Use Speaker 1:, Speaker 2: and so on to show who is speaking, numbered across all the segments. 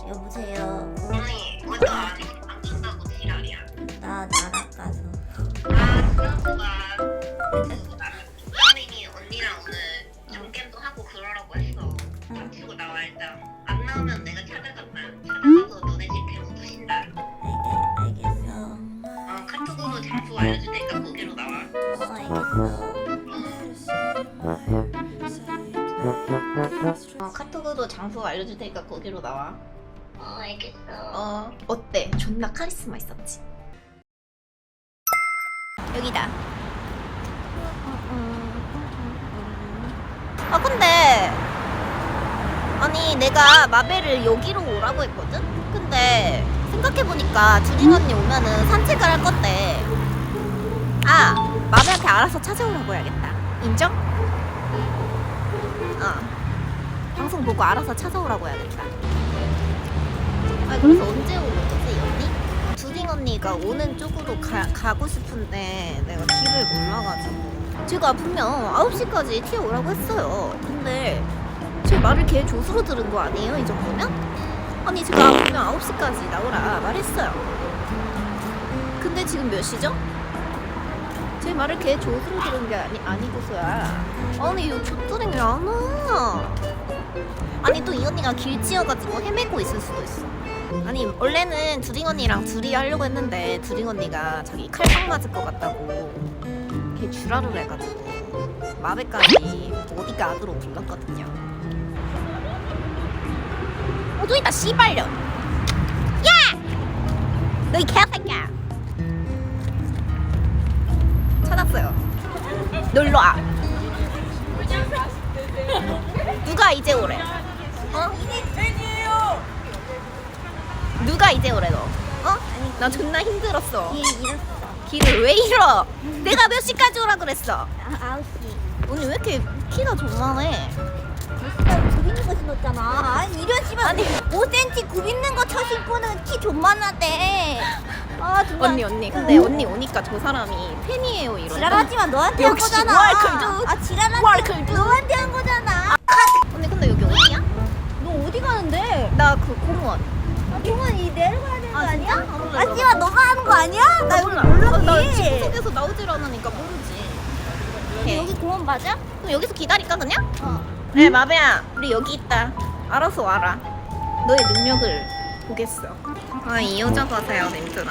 Speaker 1: 여보세요.
Speaker 2: 아니 왜또 안 간다고 지랄이야.
Speaker 1: 나 나락가서.
Speaker 2: 지난주가 부장님이 언니랑 오늘 경겜도 하고 그러라고 했어. 치고 나와 일단. 안 나오면 내가 찾아간다. 찾아가서 너네 집 배우 부신다.
Speaker 1: 알겠어.
Speaker 2: 카톡으로 장소 알려줄 테니까 거기로 나와.
Speaker 1: 알겠어.
Speaker 3: 카톡으로 장소 알려줄 테니까 거기로 나와.
Speaker 2: 알겠어.
Speaker 3: 어때? 존나 카리스마 있었지? 여기다. 근데 아니 내가 마벨을 여기로 오라고 했거든? 근데 생각해보니까 주린 언니 오면은 산책을 할 건데 마벨한테 알아서 찾아오라고 해야겠다. 인정? 방송 보고 알아서 찾아오라고 해야겠다. 그래서 언제 오는 거지, 이 언니? 주린 언니가 오는 쪽으로 가고 싶은데 내가 길을 몰라가지고 제가 분명 9시까지 튀어오라고 했어요. 근데 제 말을 걔 조수로 들은 거 아니에요, 이 정도면? 아니 제가 분명 9시까지 나오라 말했어요. 근데 지금 몇 시죠? 제 말을 걔 조수로 들은 게 아니고서야. 아니 이거 조뚜랭이 왜 안 와? 아니 또 이 언니가 길치여가지고 헤매고 있을 수도 있어. 아니 원래는 두링 언니랑 둘이 하려고 했는데 두링 언니가 자기 칼빵 맞을 것 같다고 걔 주라를 해가지고 마베까지 어디가 악으로 불렀거든요. 또 있다 씨발려. 야! 너 이 개새끼야. 찾았어요. 놀러와. 누가 이제 오래? 누가 이제 오래 너? 나 존나 힘들었어. 길을 왜 잃어? 내가 몇 시까지 오라 그랬어?
Speaker 1: 9시.
Speaker 3: 언니 왜 이렇게 키가 존만해?
Speaker 1: 굽있는 거 신었잖아. 아니 이런 씨발.
Speaker 3: 아니.
Speaker 1: 5cm 굽있는 거 쳐 신고는 키 존만하대. 정말.
Speaker 3: 언니 근데 언니 오니까 저 사람이 팬이에요 이러고.
Speaker 1: 지랄하지만 너한테 한
Speaker 3: 역시
Speaker 1: 거잖아.
Speaker 3: 월클도.
Speaker 1: 지랄하지.
Speaker 3: 월클도.
Speaker 1: 너한테 한 거잖아.
Speaker 3: 언니 근데 여기 어디야?
Speaker 1: 너 어디 가는데?
Speaker 3: 나 그 공원.
Speaker 1: 공원 이 내려가야 되는 거 아니야?
Speaker 3: 몰라.
Speaker 1: 씨발 너가 하는 거 아니야? 나 여기
Speaker 3: 몰라.
Speaker 1: 몰라.
Speaker 3: 나 집속에서 나오질 않으니까 모르지.
Speaker 1: 여기 공원 맞아?
Speaker 3: 그럼 여기서 기다릴까 그냥?
Speaker 1: 어.
Speaker 3: 네 마베야 우리 여기 있다. 알아서 와라. 너의 능력을 보겠어. 이 여자 봐세요 님들아.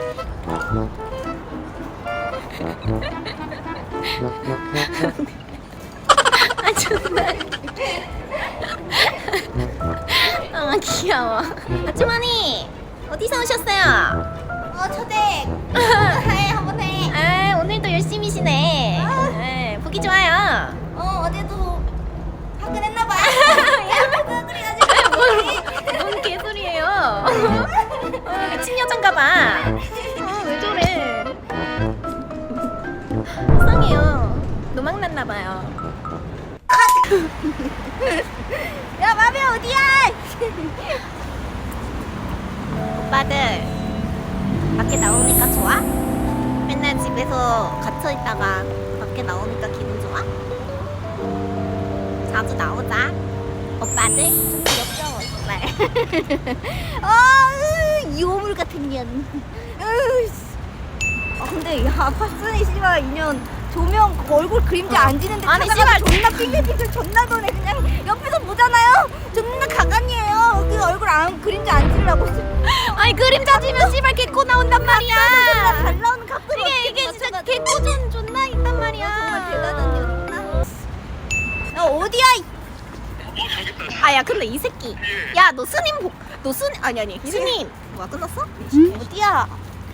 Speaker 3: 정말. 귀여워. 아주머니 어디서 오셨어요?
Speaker 1: 초대. 해 한번 해.
Speaker 3: 오늘도 열심히시네. 보기 좋아요.
Speaker 1: 어제도 화끈했나봐.
Speaker 3: 뭔 개소리예요? 미친 여잔가봐. 왜 저래? 속상해요. 노망났나봐요.
Speaker 1: 야 마비 어디야?
Speaker 3: 오빠들 밖에 나오니까 좋아? 맨날 집에서 갇혀있다가 밖에 나오니까 기분 좋아? 자주 나오자. 오빠들 좀 귀엽죠? 정말.
Speaker 1: 이 오물 같은 년. 근데 야 파슨이 씨발 인연 조명 얼굴 그림자 안 지는데
Speaker 3: 아니,
Speaker 1: 찾아가서
Speaker 3: 씨발.
Speaker 1: 존나 핑계핑계 존나 도네. 그냥 옆에서 보잖아요. 존나 가관이에요. 그 얼굴 안 그림자 안 지려고.
Speaker 3: 아니 그림자 지면 씨발 개코 나온단 말이야.
Speaker 1: 잘 나오는 각도로
Speaker 3: 이게 진짜 개코전 존나 있단 말이야.
Speaker 1: 정말 대단한 년이구나. 야 어디야?
Speaker 3: 야 근데 이 새끼. 야 너 스님 너 스님 아니 스님. 뭐야 끝났어?
Speaker 1: 어디야?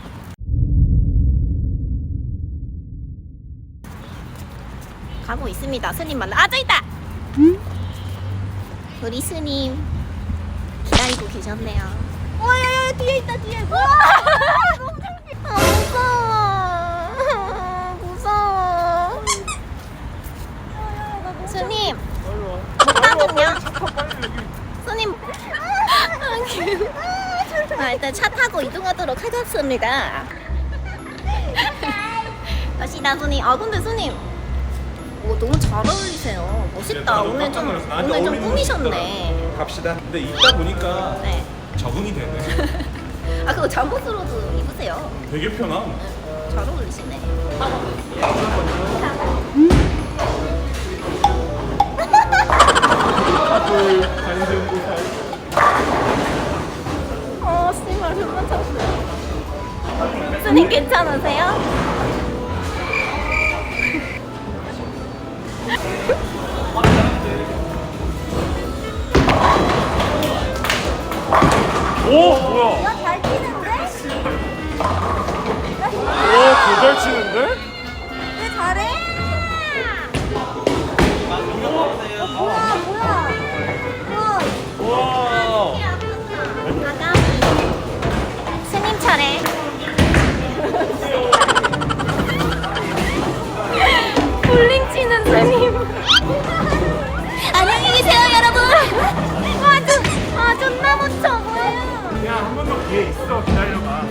Speaker 3: 가고 있습니다. 스님 만나. 저 있다. 우리 스님 기다리고 계셨네요.
Speaker 1: 야야야 뒤에 있다 뒤에.
Speaker 3: 무서워. 스님 못하겠냐? 스님. 일단 차 타고 이동하도록 하겠습니다. 다시다 스님. 근데 스님 너무 잘 어울리세요. 멋있다. 오늘 좀 꾸미셨네.
Speaker 4: 갑시다. 근데 있다 보니까
Speaker 3: 네.
Speaker 4: 적응이 되네.
Speaker 3: 아 그거 잠옷으로도 입으세요.
Speaker 4: 되게 편함.
Speaker 3: 잘 어울리시네. 씨발 흉만 쳤어요. 스님 괜찮으세요?
Speaker 4: 오 뭐야?
Speaker 1: 야, 잘 뛰는데?
Speaker 4: 오개잘 치는데?
Speaker 1: 왜 잘해? 뭐야, 뭐야. 우와.
Speaker 4: 와.
Speaker 3: 아가미. 스님 차례. 볼링 치는 스님. 안녕히 계세요, 여러분. 존나 못쳐 보여요.
Speaker 4: 그냥 한 번 더 기회 있어. 기다려봐.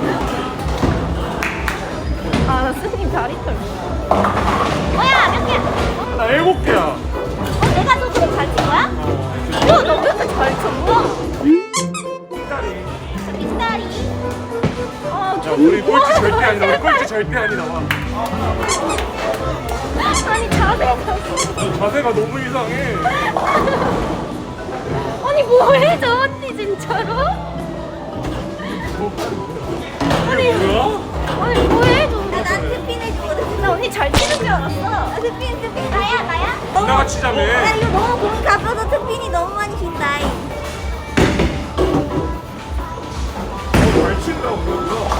Speaker 3: 나 스님 다리 털. 뭐야, 몇 개야?
Speaker 4: 나 7개야.
Speaker 3: 내가 너 그럼 잘 친 거야? 야, 너 왜 이렇게 잘 쳐? 뭐야?
Speaker 4: 기다리.
Speaker 3: 빈다리.
Speaker 4: 야 우리 꼴찌 절대 아니다. 우리 꼴찌 절대 아니다. 와.
Speaker 3: 아니, 자세가.
Speaker 4: 자세가 너무 이상해.
Speaker 3: 아니, 뭐해, 저 언니, 진짜로?
Speaker 4: 이게 뭐야?
Speaker 3: 아니, 뭐해, 저.
Speaker 1: 난 스핀 해주거든.
Speaker 3: 나 언니 잘 치는 줄 알았어.
Speaker 1: 스핀. 나야?
Speaker 4: 누나가 치자며.
Speaker 1: 나 이거 너무 공이 가벼워서 스핀이 너무 많이 쉰다.
Speaker 4: 잘 친다고 그러고.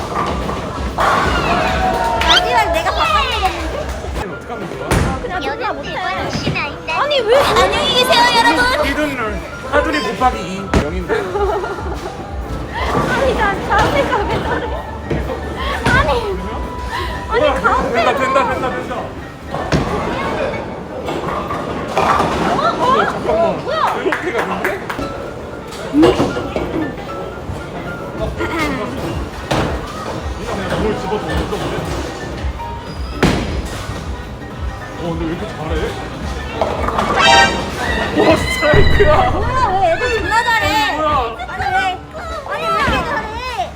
Speaker 1: 마지막 내가 바꿔주겠는데?
Speaker 4: 어떻게 하는 거야?
Speaker 3: 그냥 존나 못해. 아니, 왜? 안녕히 계세요, 여러분.
Speaker 4: 이든을 하두리 곱하기 2 0인데?
Speaker 3: 아니, 난 자세가 왜 저래? 아니, 가운데.
Speaker 4: 된다. 잠깐만.
Speaker 3: 뭐야?
Speaker 4: 이렇게 가는데? 그냥 뭘 집어서 올렸어 보네. 근데 왜 이렇게 잘해? 와 스트라이크야.
Speaker 1: 뭐야, 왜 애들 존나 잘해?
Speaker 4: 뭐야?
Speaker 1: 아니, 왜 이렇게 잘해?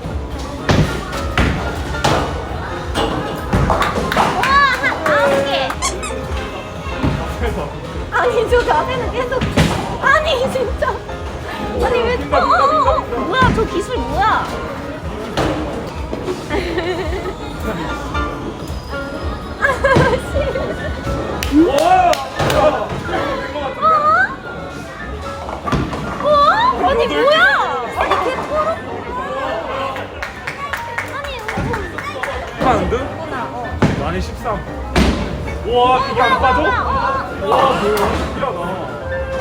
Speaker 3: 와, 9개.
Speaker 4: 대박.
Speaker 3: 아니, 저 자세는 계속. 아니, 진짜. 아니, 왜.
Speaker 4: 빈다.
Speaker 3: 뭐야, 저 기술 뭐야?
Speaker 4: 와!
Speaker 3: 아니, 뭐야? 아니, 걔 포로. 아니,
Speaker 4: 하는데? 많이 13. 와 이게 안 빠져? 와 뭐야 신기하다.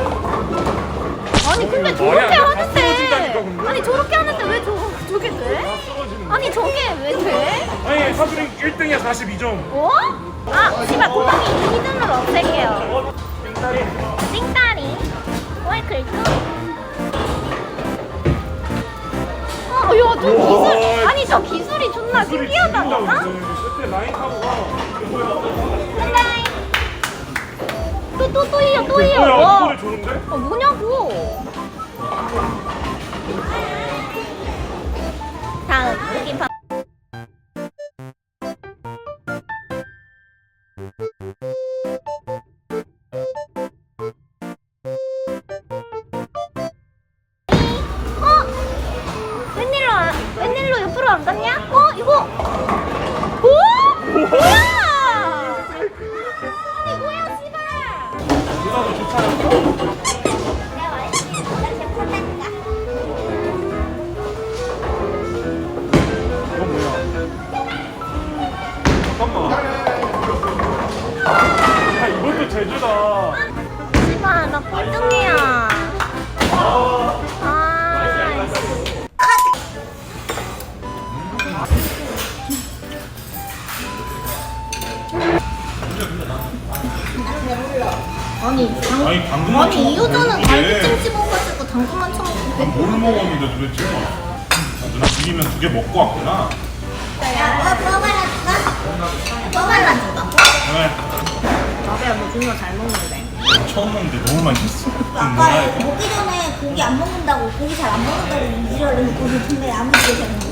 Speaker 3: 아니, 근데
Speaker 4: 말이
Speaker 3: 저렇게
Speaker 4: 안 돼. 다 쓰러진다니까,
Speaker 3: 하는데.
Speaker 4: 근데?
Speaker 3: 아니, 저렇게 하는데 왜 저게 돼? 아니, 저게 왜 돼?
Speaker 4: 아니 하두리 1등이야 42점.
Speaker 3: 어? 아, 씨발, 곱하기 2 히든으로 없앨게요.
Speaker 4: 빙다리.
Speaker 3: 띵다리. 왜 글도? 야, 저
Speaker 4: 우와.
Speaker 3: 기술. 아니, 저 기술이 존나
Speaker 4: 소리
Speaker 3: 신기하다.
Speaker 4: 죽인다,
Speaker 3: 어?
Speaker 4: 근데. 그때 라인 타고 가. 이게 뭐야?
Speaker 3: 띵다리. 또 이어, 또 이어.
Speaker 4: 뭐야
Speaker 3: 와.
Speaker 4: 소리 좋은데?
Speaker 3: 뭐냐고. 다음, 느낌 봐. 웬일로 옆으로 안 갔냐? 이거. 오? 뭐야? 아니, 뭐야, 씨발.
Speaker 4: 누나도 좋잖아.
Speaker 1: 내가 말했지. 나 제가 판다니까.
Speaker 4: 이건 뭐야? 잠깐만. 야 이것도 제주다.
Speaker 3: 씨발, 나 꼴등이야.
Speaker 4: 아니 방금
Speaker 3: 아니, 이 여자는 갈비찜 집어가지고 당근만 쳐먹고.
Speaker 4: 뭘 먹었는데 도대체? 누나 비리면 2개 먹고 왔구나.
Speaker 1: 야, 뭐 발라줄까?
Speaker 3: 뭐 발라줄까?
Speaker 4: 왜?
Speaker 3: 나배야, 너 존나 잘 먹는데.
Speaker 4: 처음 먹는데 너무 맛있어.
Speaker 1: 아까 먹기 전에 고기 안 먹는다고 고기 잘 안 먹는다고 이지랄을 했거든. 근데 아무 일이 되는